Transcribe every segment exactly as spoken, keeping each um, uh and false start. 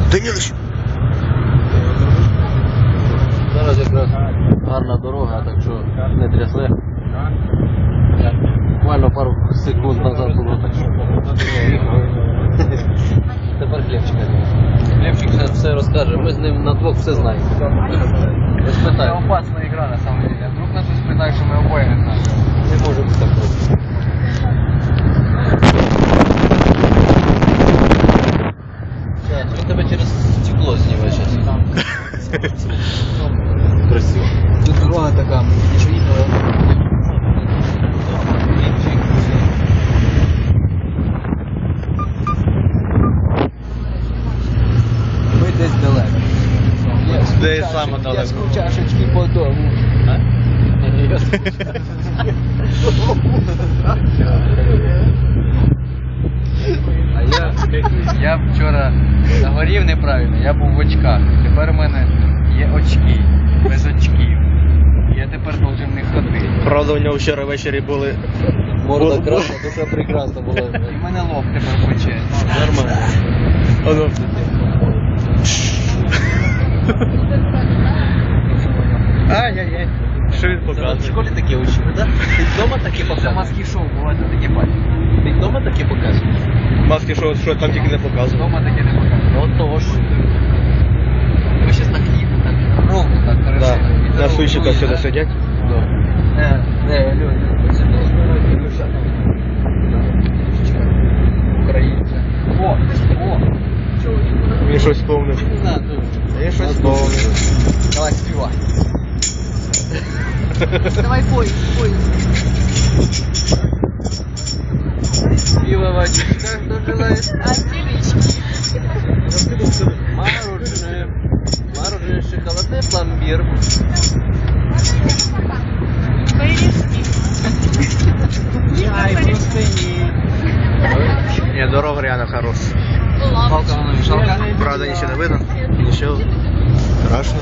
Данилович! Зараз якраз гарна дорога, так що не трясе. Буквально пару секунд назад було так, що тепер Хлебчика. Хлебчик зараз все розкаже, ми з ним на двох все знаємо. Это опасная игра на самом деле. Вдруг нас испытают, что мы обои не знаем. Не може бути такого. Сейчас, він тебе через стекло знімає зараз. Красиво. Тут дорога така, мені ж їхали. Ми десь далеко. Де саме Я далеко? з чашечки по дому. А я, я вчора загорів неправильно, я був в очках. Тепер у мене є очки, без очків. Я тепер должен не ходити. Правда, у нього вчора ввечері були... Морда красна, душа прекрасна була. І в мене лоб тепер пече. Нормально. Оно. Ай-яй-яй. Що він В показує? школі таке учили, так? Ти вдома таке Це показуєш? маски шоу, буває таке бачиш. Ти вдома таке показуєш? Маски, що, що там тільки не показував. Вдома таке не показує. Ну тож. Ми щас так їдемо, так ровно, так хорошо. Да. І На дорогу суйчиках дує, сюди да? сидять. Не, не, Льоня, сюди. Ілюша. Українця. О, о. Він щось сповнив. Не знаю, ну. Я щось сповнив. Давай співай. Давай пой, пой. Пиво в очках дожелаешь. А девички? Мороженое. Мороженое, шоколадное, пломбир. Порешки. Чай, простыни. Ні, дорога реально хороша. Палка вона мішалка. Правда, нічого не видно. Нічого. Страшно.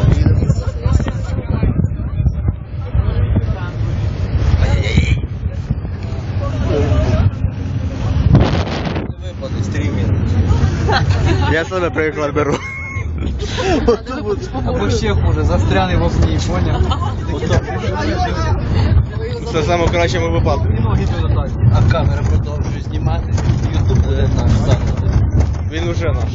Выпады, стример. Я себе приклад беру. Або ще хуже, застряний в окні, поняв? Це в самому кращому випадку. Ноги туди так. А камера продовжує знімати. Ютуб наш заклад. Він уже наш.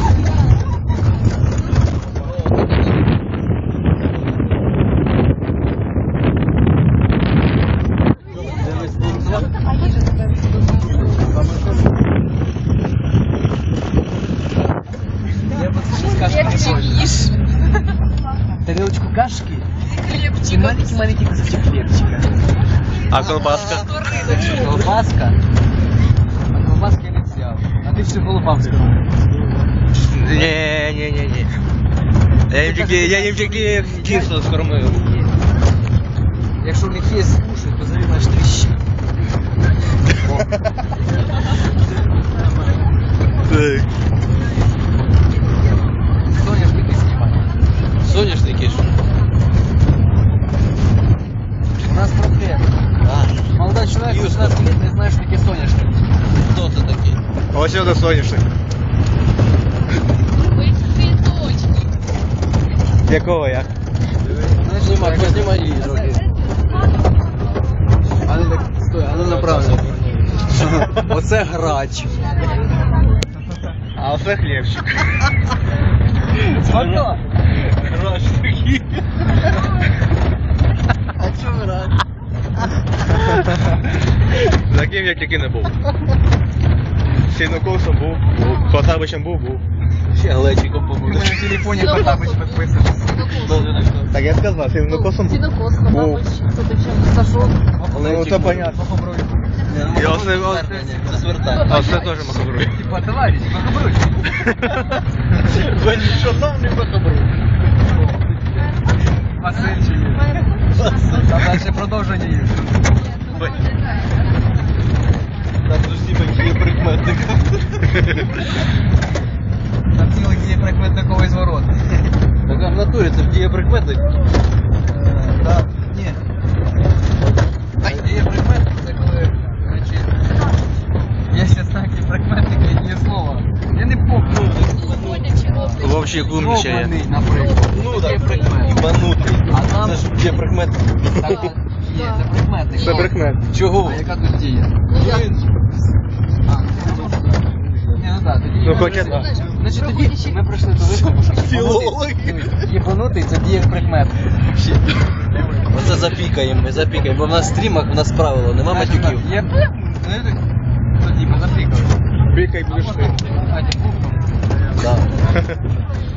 Я бы сейчас кашки не Ешь. Тарелочку кашки и Хлебчик. маленький-маленький кусочек хлебчика. А колбаска? Колбаска? А колбаски я не взяв. А ти всю голубам скажу. Ні, ні, ні, ні. Я їм тільки, я їм тільки кисло скормив. Якщо в них є скушать, то заві наш тріщі. Так. Соняшники знімай. Соняшники ж. У нас проблема. А, Молодой человек, Юшка. шестнадцать лет, не знає, що таке соняшник. хто це такий? Ось це соняшник. Ой, цветочки. Якого як? Знімай, познімай її трохи. А ну так, стой, а ну направо. Оце грач. А оце хлібчик. Смака. Грач такий. А чого грати? Таким я тільки не був. Сінокосом був, був. Потабичем був, був. Ще глечиком У побуде. мене в телефоні Потапич підписаний. Так я сказав, сінокосом був. Синокос, Був. Потапыч. Кто-то чем сошел. Ну це понятно. І оце, оце, Це свертання. а це теж махабруй. Типа, товарищ, похабруй. Ви нічого нам не махабруй. Васильчик. А дальше продовження є. Там усі є прикметник. Там цілий дієприкметниковий зворот. Так а в натурі це ж дієприкметник. Так, ні. Дієприкметник це коли, короче, є ще знаки прикметники і є слова. Я не помню. Сегодня чего ты? вообще глумлячає. Йобаний, наприклад. Ну, Таке так. прикмет. Ібанутий. А там- Це ж є прикмет. Так, є, це прикметник. Це прикмет. Чого? А яка тут дія? Ну, я... А, ні, ну так, тоді... Ну, хоча б. Значить, тоді ми прийшли до висновку, що Філологи. єбанутий- єбанутий це діє як прикмет. Оце запікаємо, ми запікаємо, бо в нас в стрімах у нас правило, нема матюків. Є... Тоді ми запікали. Бікай будеш ти. А, ні, бухнув. Да.